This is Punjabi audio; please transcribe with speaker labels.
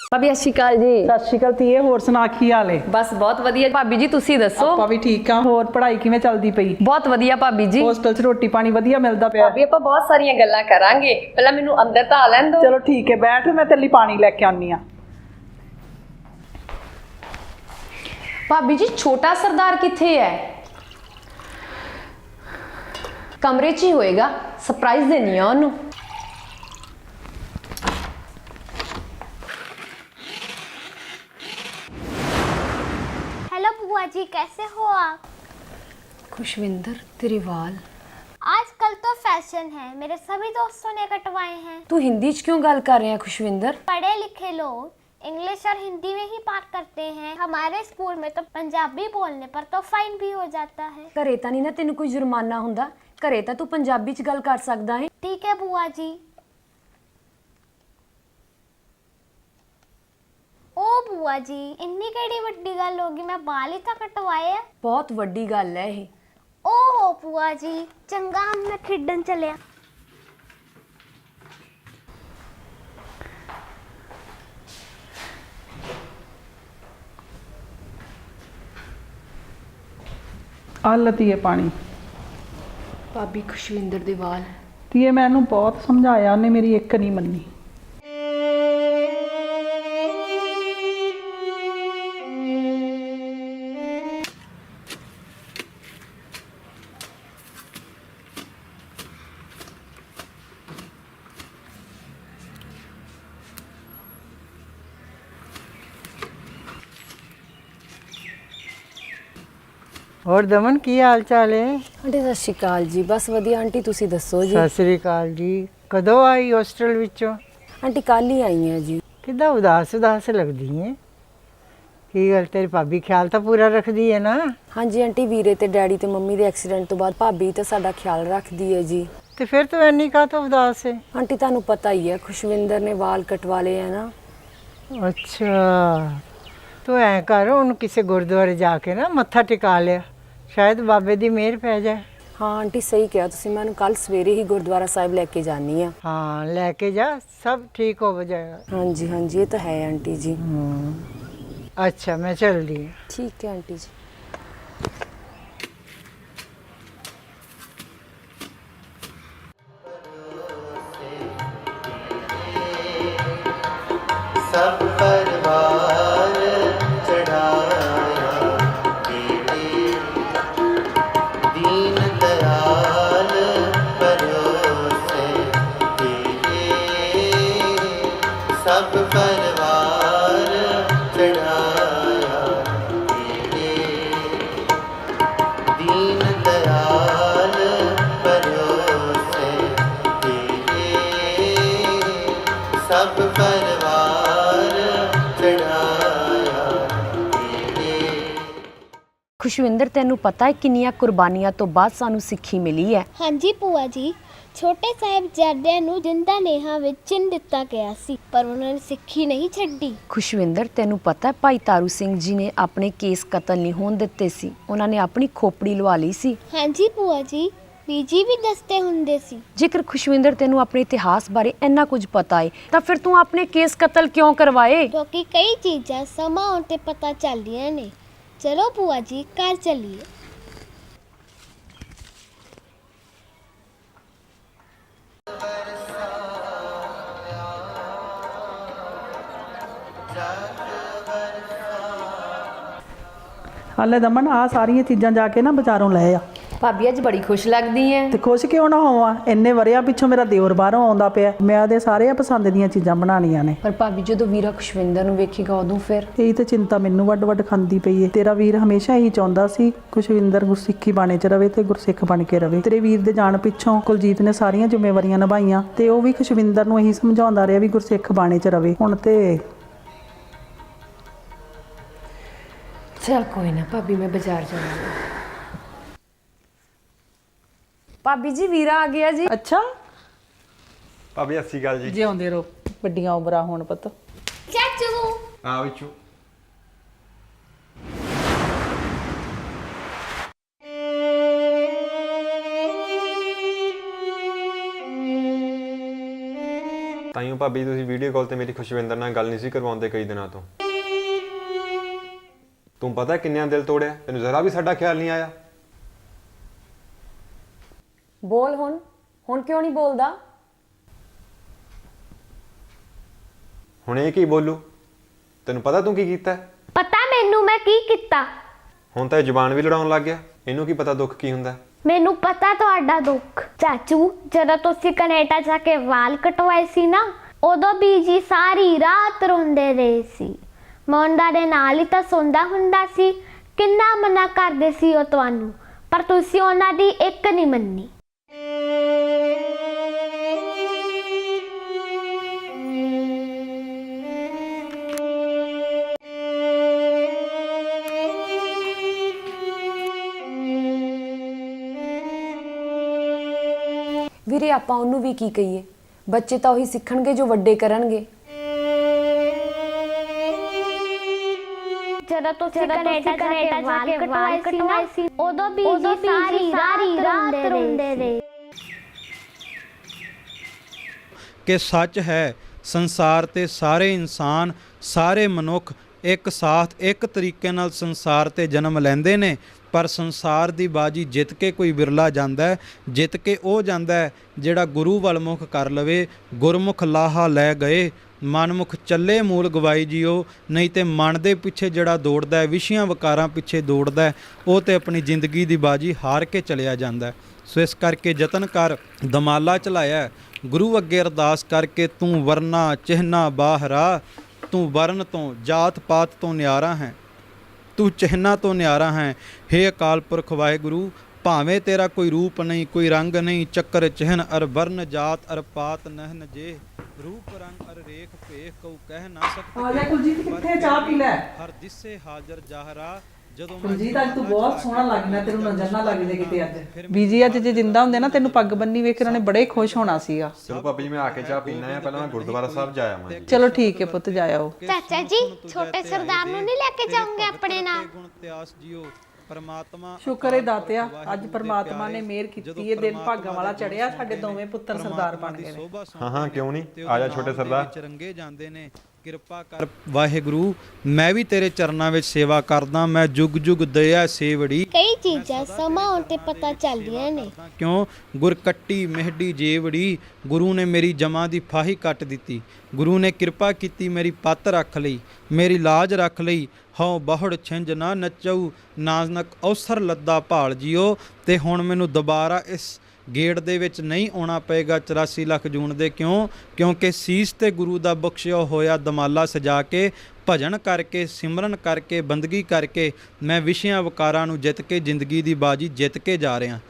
Speaker 1: ਭਾਬੀ ਸਤਿ ਸ਼੍ਰੀ ਅਕਾਲ ਜੀ।
Speaker 2: ਸਤਿ ਸ਼੍ਰੀ ਅਕਾਲ ਧੀਏ, ਹੋਰ ਸੁਣਾ ਕੀ ਹਾਲ ਏ?
Speaker 1: ਬਸ ਬਹੁਤ ਵਧੀਆ ਭਾਬੀ ਜੀ, ਤੁਸੀਂ ਦੱਸੋ?
Speaker 2: ਆਪਾਂ ਵੀ ਠੀਕ ਆ। ਹੋਰ ਪੜ੍ਹਾਈ ਕਿਵੇਂ ਚੱਲਦੀ ਪਈ?
Speaker 1: ਬਹੁਤ ਵਧੀਆ ਭਾਬੀ ਜੀ।
Speaker 2: ਹੋਸਟਲ 'ਚ ਰੋਟੀ ਪਾਣੀ ਵਧੀਆ ਮਿਲਦਾ ਪਿਆ?
Speaker 1: ਭਾਬੀ ਆਪਾਂ ਬਹੁਤ ਸਾਰੀਆਂ ਗੱਲਾਂ ਕਰਾਂਗੇ, ਪਹਿਲਾਂ ਮੈਨੂੰ ਅੰਦਰ ਤਾਂ ਆ ਲੈਣ ਦਿਓ।
Speaker 2: ਚਲੋ ਠੀਕ ਹੈ, ਬੈਠ, ਮੈਂ ਤੇਰੇ ਲਈ ਪਾਣੀ ਲੈ ਕੇ ਆਉਣੀ ਆ।
Speaker 1: ਭਾਬੀ ਜੀ ਛੋਟਾ ਸਰਦਾਰ ਕਿੱਥੇ ਹੈ? ਕਮਰੇ 'ਚ ਹੀ ਹੋਏਗਾ, ਸਰਪ੍ਰਾਈਜ਼ ਦੇਣੀ ਆ ਉਹਨੂੰ।
Speaker 3: हेलो बुआ जी, कैसे हो आप?
Speaker 1: खुशविंदर तेरे वाल
Speaker 3: आजकल तो फैशन है, मेरे सभी दोस्तों ने कटवाए हैं।
Speaker 1: तू हिंदी च क्यों गल कर रहे हैं खुशविंदर?
Speaker 3: पढ़े लिखे लोग इंग्लिश और हिंदी में ही बात करते हैं। हमारे स्कूल में तो पंजाबी बोलने पर तो फाइन भी हो जाता है।
Speaker 1: घरे तां नहीं ना तेनू कोई जुर्माना हुंदा, घरे तां तू पंजाबी च गल कर सकदा है।
Speaker 3: ठीक है बुआ जी। ओ बुआ जी, इन्नी केड़ी वड्डी गल होगी, मैं बाल ही तो कटवाए है।
Speaker 1: बहुत वड्डी गल है ये।
Speaker 3: ओहो बुआ जी, चंगा हम मैं खेडन चलिया।
Speaker 2: ਆ ਲੈ ਧੀਏ ਪਾਣੀ।
Speaker 1: भाभी खुशविंदर दे वाल
Speaker 2: ਧੀਏ ਮੈਂ ਇਹਨੂੰ ਬਹੁਤ ਸਮਝਾਇਆ, ਉਹਨੇ ਮੇਰੀ ਇੱਕ ਨਹੀਂ ਮੰਨੀ।
Speaker 4: ਹੋਰ ਦਮਨ ਕੀ ਹਾਲ ਚਾਲ ਹੈ?
Speaker 1: आंटी सत श्री अकाल जी। बस वधिया आंटी, तुसी दसो जी।
Speaker 4: ਸਤਿ ਸ੍ਰੀ ਅਕਾਲ ਜੀ। ਕਦੋਂ ਆਈ ਹੋਸਟਲ ਵਿੱਚੋਂ?
Speaker 1: आंटी कल ही आई हैं जी।
Speaker 4: ਕਿੱਦਾਂ ਉਦਾਸ ਉਦਾਸ ਲੱਗਦੀ ਹੈ? ਕੀ ਗੱਲ, ਤੇਰੀ ਭਾਬੀ ਖਿਆਲ ਤਾਂ ਪੂਰਾ ਰੱਖਦੀ ਹੈ ਨਾ?
Speaker 1: हाँ जी आंटी, वीरे ते डैडी ते मम्मी दे एक्सीडेंट तो बाद भाभी ते साडा ख्याल रखदी है जी।
Speaker 4: ਤੇ ਫਿਰ ਤੂੰ ਇੰਨੀ ਕਾਹਤੋਂ ਉਦਾਸ ਹੈ?
Speaker 1: आंटी तानू पता ही है, खुशविंदर ने वाल कटवा लिए हैं ना।
Speaker 4: ਅੱਛਾ, ਤੂੰ ਐਂ ਕਰ, ਉਹਨੂੰ ਕਿਸੇ ਗੁਰਦੁਆਰੇ ਜਾ ਕੇ ਨਾ ਮੱਥਾ ਟਿਕਾ ਲਿਆ, ਸ਼ਾਇਦ ਬਾਬੇ ਦੀ ਮਿਹਰ ਪੈ ਜਾਏ।
Speaker 1: हाँ आंटी सही कहा तुसी, मैं कल सवेरे ही गुरुद्वारा साहिब लेके जानी है।
Speaker 4: ਹਾਂ ਲੈ ਕੇ ਜਾ, ਸਭ ਠੀਕ ਹੋ ਜਾਏਗਾ।
Speaker 1: हाँ जी ये तो है आंटी जी।
Speaker 4: ਅੱਛਾ ਮੈਂ ਚੱਲਦੀ ਹਾਂ।
Speaker 1: ठीक है आंटी जी।
Speaker 5: सब परवार चढ़ाया बेटे, दीन दयाल परोसे तेरे। सब परवार चढ़ाया बेटे, दीन दयाल परोसे तेरे। सब परवार चढ़ाया तेरे।
Speaker 1: खुशविंदर तेनू पता है किन्नियां कुर्बानियां तो बाद सानू सिक्खी मिली है?
Speaker 3: हाँ जी ਭੂਆ ਜੀ, ਛੋਟੇ ਸਾਹਿਬਜ਼ਾਦਿਆਂ ਨੂੰ ਜਿੰਦਾ ਨੇਹਾਂ ਵਿੱਚ ਚਿਣ ਦਿੱਤਾ ਗਿਆ ਸੀ, ਪਰ ਉਹਨਾਂ ਨੇ ਸਿੱਖੀ ਨਹੀਂ ਛੱਡੀ।
Speaker 1: खुशविंदर तेनू पता है भाई तारू सिंह जी ने अपने केस कतल नहीं होने दिते सी, उन्होंने अपनी खोपड़ी लवा ली सी।
Speaker 3: हाँ जी ਭੂਆ ਜੀ, ਬੀਜੀ ਵੀ ਦੱਸਦੇ ਹੁੰਦੇ ਸੀ।
Speaker 1: जेकर खुशविंदर तेनू अपने इतिहास बारे इन्ना कुछ पता है तो फिर तू अपने केस कतल क्यों करवाए?
Speaker 3: ਕਿਉਂਕਿ ਕਈ ਚੀਜ਼ਾਂ ਸਮਾਂ ਆਉਣ ਤੇ ਪਤਾ ਚੱਲਦੀਆਂ ਨੇ। ਚਲੋ ਭੂਆ ਜੀ, ਘਰ ਚੱਲੀਏ।
Speaker 2: ਆ ਲੈ ਦਮਨ, ਆ ਸਾਰੀਆਂ ਚੀਜ਼ਾਂ ਜਾ ਕੇ ਨਾ ਬਾਜ਼ਾਰੋਂ ਲੈ ਆ।
Speaker 1: भाभी अज बड़ी खुश लगदी है।
Speaker 2: ਤੇ ਖੁਸ਼ ਕਿਉਂ ਨਾ ਹੋਵਾਂ, ਇੰਨੇ ਵਰਿਆਂ ਪਿੱਛੋਂ ਮੇਰਾ ਦਿਓਰ ਬਾਹਰੋਂ ਆਉਂਦਾ ਪਿਆ, ਮੈਂ ਉਹਦੇ ਸਾਰੇ ਪਸੰਦ ਦੀਆਂ ਚੀਜ਼ਾਂ ਬਣਾਉਣੀਆਂ ਨੇ।
Speaker 1: पर भाभी जो वीरा खुशविंदर नु वेखेगा उदों फिर
Speaker 2: ਇਹੀ ਤੇ ਚਿੰਤਾ ਮੈਨੂੰ ਵੱਡ ਵੱਡ ਖਾਂਦੀ ਪਈ ਏ। ਤੇਰਾ ਵੀਰ ਹਮੇਸ਼ਾ ਇਹੀ ਚਾਹੁੰਦਾ ਸੀ ਖੁਸ਼ਵਿੰਦਰ ਗੁਰਸਿੱਖੀ ਬਾਣੇ 'ਚ ਰਵੇ ਤੇ ਗੁਰਸਿੱਖ ਬਣ ਕੇ ਰਵੇ। ਤੇਰੇ ਵੀਰ ਦੇ ਜਾਣ ਪਿੱਛੋਂ ਕੁਲਜੀਤ ਨੇ ਸਾਰੀਆਂ ਜ਼ਿੰਮੇਵਾਰੀਆਂ ਨਿਭਾਈਆਂ ਤੇ ਉਹ ਵੀ ਖੁਸ਼ਵਿੰਦਰ ਨੂੰ ਇਹੀ ਸਮਝਾਉਂਦਾ ਰਿਹਾ ਵੀ ਗੁਰਸਿੱਖ ਬਾਣੇ 'ਚ ਰਵੇ। ਹੁਣ ਤੇ
Speaker 1: चल कोई ना भाभी, मैं बाजार जाऊंगी। भाभी जी वीरा आ गया जी।
Speaker 2: ਅੱਛਾ,
Speaker 6: ਭਾਬੀ ਸਤਿ ਸ਼੍ਰੀ ਅਕਾਲ ਜੀ।
Speaker 2: ਜਿਉਂਦੇ ਰਹੋ, ਵੱਡੀਆਂ ਉਮਰਾਂ ਹੋਣ ਪੁੱਤ।
Speaker 3: ਚਾਚੂ,
Speaker 6: ਹਾਂ ਵਿੱਚੋਂ ਤਾਈਓ ਭਾਬੀ ਤੁਸੀਂ ਵੀਡੀਓ ਕਾਲ ਤੇ ਮੇਰੀ ਖੁਸ਼ਵਿੰਦਰ ਨਾਲ ਗੱਲ ਨਹੀਂ ਸੀ ਕਰਵਾਉਂਦੇ ਕਈ ਦਿਨਾਂ ਤੋਂ। ਤੂੰ ਪਤਾ ਕਿੰਨਿਆਂ ਦਿਲ ਤੋੜਿਆ, ਤੈਨੂੰ ਜ਼ਰਾ ਵੀ ਸਾਡਾ ਖਿਆਲ ਨਹੀਂ ਆਇਆ।
Speaker 1: ਬੋਲ ਹੁਣ ਕਿਉਂ ਨਹੀਂ ਬੋਲਦਾ?
Speaker 6: ਹੁਣ ਇਹ ਕੀ ਬੋਲੂ? ਤੈਨੂੰ ਪਤਾ ਤੂੰ ਕੀ ਕੀਤਾ ਹੈ?
Speaker 3: पता मैनू मैं की किता।
Speaker 6: ਹੁਣ ਤਾਂ ਇਹ ਜ਼ੁਬਾਨ ਵੀ ਲੜਾਉਣ ਲੱਗ ਗਿਆ। ਇਹਨੂੰ ਕੀ ਪਤਾ ਦੁੱਖ ਕੀ ਹੁੰਦਾ ਹੈ?
Speaker 3: ਮੈਨੂੰ ਪਤਾ ਤੁਹਾਡਾ ਦੁੱਖ। ਚਾਚੂ ਜਦੋਂ ਤੁਸੀਂ ਕੈਨੇਡਾ ਜਾ ਕੇ ਵਾਲ ਕਟਵਾਏ ਸੀ ਨਾ, ਉਦੋਂ ਬੀਜੀ ਸਾਰੀ ਰਾਤ ਰੋਂਦੇ ਰਹੇ ਸੀ। ਮੁੰਡਾ ਦੇ ਨਾਲ ਹੀ ਤਾਂ ਸੌਂਦਾ ਹੁੰਦਾ ਸੀ। ਕਿੰਨਾ ਮਨਾ ਕਰਦੇ ਸੀ ਉਹ ਤੁਹਾਨੂੰ, ਪਰ ਤੁਸੀਂ ਉਹਨਾਂ ਦੀ ਇੱਕ ਨਹੀਂ ਮੰਨੀ।
Speaker 1: ਵੀਰੇ ਆਪਾਂ ਉਹਨੂੰ ਵੀ ਕੀ ਕਹੀਏ, ਬੱਚੇ ਤਾਂ ਉਹੀ ਸਿੱਖਣਗੇ ਜੋ ਵੱਡੇ ਕਰਨਗੇ।
Speaker 3: ਜਦੋਂ ਤੁਸੀਂ ਕੈਨੇਡਾ ਜਾ ਕੇ ਵਾਲ ਕਟਵਾਏ ਸੀ, ਉਦੋਂ ਬੀਜੀ ਸਾਰੀ ਰਾਤ ਰੋਂਦੇ ਰਹੇ।
Speaker 7: ਕਿ ਸੱਚ ਹੈ ਸੰਸਾਰ ਤੇ ਸਾਰੇ ਇਨਸਾਨ, ਸਾਰੇ ਮਨੁੱਖ ਇੱਕ ਸਾਥ ਇੱਕ ਤਰੀਕੇ ਨਾਲ ਸੰਸਾਰ ਤੇ ਜਨਮ ਲੈਂਦੇ ਨੇ, ਪਰ ਸੰਸਾਰ ਦੀ ਬਾਜੀ ਜਿੱਤ ਕੇ ਕੋਈ ਵਿਰਲਾ ਜਾਂਦਾ ਹੈ। ਜਿੱਤ ਕੇ ਉਹ ਜਾਂਦਾ ਹੈ ਜਿਹੜਾ ਗੁਰੂ ਵੱਲ ਮੁਖ ਕਰ ਲਵੇ। ਗੁਰਮੁਖ ਲਾਹਾ ਲੈ ਗਏ, ਮਨਮੁਖ ਚੱਲੇ ਮੂਲ ਗਵਾਈ ਜੀਓ। ਨਹੀਂ ਤੇ ਮਨ ਦੇ ਪਿੱਛੇ ਜਿਹੜਾ ਦੌੜਦਾ ਹੈ, ਵਿਸ਼ਿਆਂ ਵਿਕਾਰਾਂ ਪਿੱਛੇ ਦੌੜਦਾ ਹੈ, ਉਹ ਤੇ ਆਪਣੀ ਜ਼ਿੰਦਗੀ ਦੀ ਬਾਜੀ ਹਾਰ ਕੇ ਚਲਿਆ ਜਾਂਦਾ ਹੈ। ਸੋ ਇਸ ਕਰਕੇ ਯਤਨ ਕਰ, ਦਮਾਲਾ ਚਲਾਇਆ ਗੁਰੂ ਅੱਗੇ ਅਰਦਾਸ ਕਰਕੇ, ਤੂੰ ਵਰਨਾ ਚਿਹਨਾ ਬਾਹਰਾ, ਤੂੰ ਵਰਨ ਤੋਂ ਜਾਤ ਪਾਤ ਤੋਂ ਨਿਆਰਾ ਹੈ, ਤੂੰ ਚਿਹਨਾ ਤੋਂ ਨਿਆਰਾ ਹੈ। ਹੇ ਅਕਾਲ ਪੁਰਖ ਵਾਹਿਗੁਰੂ, ਭਾਵੇਂ ਤੇਰਾ ਕੋਈ ਰੂਪ ਨਹੀਂ, ਕੋਈ ਰੰਗ ਨਹੀਂ, ਚੱਕਰ ਚਿਹਨ ਅਰ ਵਰਨ ਜਾਤ ਅਰ ਪਾਤ ਨਹਿਨ ਜੇ, ਰੂਪ ਰੰਗ ਅਰ ਰੇਖ ਭੇਖ ਕਉ ਕਹਿ ਨਾ ਸਕਤੇ।
Speaker 2: ਆ ਜਾ ਕੁਲਜੀਤ, ਕਿੱਥੇ ਚਾਹ ਪੀ ਲੈ।
Speaker 7: ਹਰ ਦਿਸੇ ਹਾਜ਼ਰ ਜਾਹਰਾ, ਜਦੋਂ
Speaker 2: ਕੁਲਜੀਤ ਅੱਜ ਤੂੰ ਬਹੁਤ ਸੋਹਣਾ ਲੱਗਦਾ, ਤੈਨੂੰ ਨਜ਼ਰ ਨਾ ਲੱਗ ਜੇ ਕਿਤੇ ਅੱਜ। ਬੀਜੀ ਅੱਜ ਜੇ ਜਿੰਦਾ ਹੁੰਦੇ ਨਾ, ਤੈਨੂੰ ਪੱਗ ਬੰਨੀ ਵੇਖ ਕੇ ਉਹਨਾਂ ਨੇ ਬੜੇ ਖੁਸ਼ ਹੋਣਾ ਸੀਗਾ।
Speaker 6: ਚਲੋ ਭਾਬੀ ਮੈਂ ਆ ਕੇ ਚਾਹ ਪੀਣਾ ਹੈ, ਪਹਿਲਾਂ ਮੈਂ ਗੁਰਦੁਆਰਾ ਸਾਹਿਬ ਜਾ ਆਵਾਂ।
Speaker 2: ਚਲੋ ਠੀਕ ਹੈ ਪੁੱਤ, ਜਾ ਆਓ।
Speaker 3: ਚਾਚਾ ਜੀ ਛੋਟੇ ਸਰਦਾਰ ਨੂੰ ਨਹੀਂ ਲੈ ਕੇ ਜਾਓਗੇ ਆਪਣੇ ਨਾਲ?
Speaker 7: ਗੁਣ ਇਤਿਹਾਸ ਜੀਓ ਪਰਮਾਤਮਾ।
Speaker 2: ਸ਼ੁਕਰ ਹੈ ਦਾਤਿਆ, ਅੱਜ ਪਰਮਾਤਮਾ ਨੇ ਮਿਹਰ ਕੀਤੀ, ਇਹ ਦਿਨ ਭਾਗਾਂ ਵਾਲਾ ਚੜਿਆ, ਸਾਡੇ ਦੋਵੇਂ ਪੁੱਤਰ ਸਰਦਾਰ ਬਣ ਗਏ ਨੇ।
Speaker 6: ਹਾਂ ਕਿਉਂ ਨਹੀਂ, ਆ ਜਾ ਛੋਟੇ ਸਰਦਾਰ।
Speaker 7: ਰੰਗੇ ਜਾਂਦੇ ਨੇ। ਕਿਰਪਾ ਕਰ ਵਾਹਿਗੁਰੂ, ਮੈਂ ਵੀ ਤੇਰੇ ਚਰਨਾਂ ਵਿੱਚ ਸੇਵਾ ਕਰਦਾ। ਮੈਂ ਜੁਗ ਜੁਗ ਦਇਆ ਸੇਵੜੀ।
Speaker 3: ਕਈ ਚੀਜ਼ਾਂ ਸਮਾਂ ਆਉਣ ਤੇ ਪਤਾ ਚੱਲਦੀਆਂ ਨੇ।
Speaker 7: ਕਿਉਂ ਗੁਰ ਕੱਟੀ ਮਿਹਡੀ ਜੇਵੜੀ, ਗੁਰੂ ਨੇ ਮੇਰੀ ਜਮਾਂ ਦੀ ਫਾਹੀ ਕੱਟ ਦਿੱਤੀ। ਗੁਰੂ ਨੇ ਕਿਰਪਾ ਕੀਤੀ, ਮੇਰੀ ਪੱਤ ਰੱਖ ਲਈ, ਮੇਰੀ ਲਾਜ ਰੱਖ ਲਈ। ਹਉ ਬਹੁੜ ਛਿੰਝ ਨਾ ਨੱਚਉ, ਨਾਜ਼ਨਕ ਅਵਸਰ ਲੱਦਾ ਭਾਲ ਜੀਓ। ਤੇ ਹੁਣ ਮੈਨੂੰ ਦੁਬਾਰਾ ਇਸ ਗੇੜ ਦੇ ਵਿੱਚ ਨਹੀਂ ਆਉਣਾ ਪਏਗਾ 84 ਲੱਖ ਜੂਨ ਦੇ। ਕਿਉਂਕਿ ਸੀਸ ਤੇ ਗੁਰੂ ਦਾ ਬਖਸ਼ਿਆ ਹੋਇਆ ਦਮਾਲਾ ਸਜਾ ਕੇ, ਭਜਨ ਕਰਕੇ, ਸਿਮਰਨ ਕਰਕੇ, ਬੰਦਗੀ ਕਰਕੇ ਮੈਂ ਵਿਸ਼ਿਆਂ ਵਿਕਾਰਾਂ ਨੂੰ ਜਿੱਤ ਕੇ ਜ਼ਿੰਦਗੀ ਦੀ ਬਾਜੀ ਜਿੱਤ ਕੇ ਜਾ ਰਿਹਾ।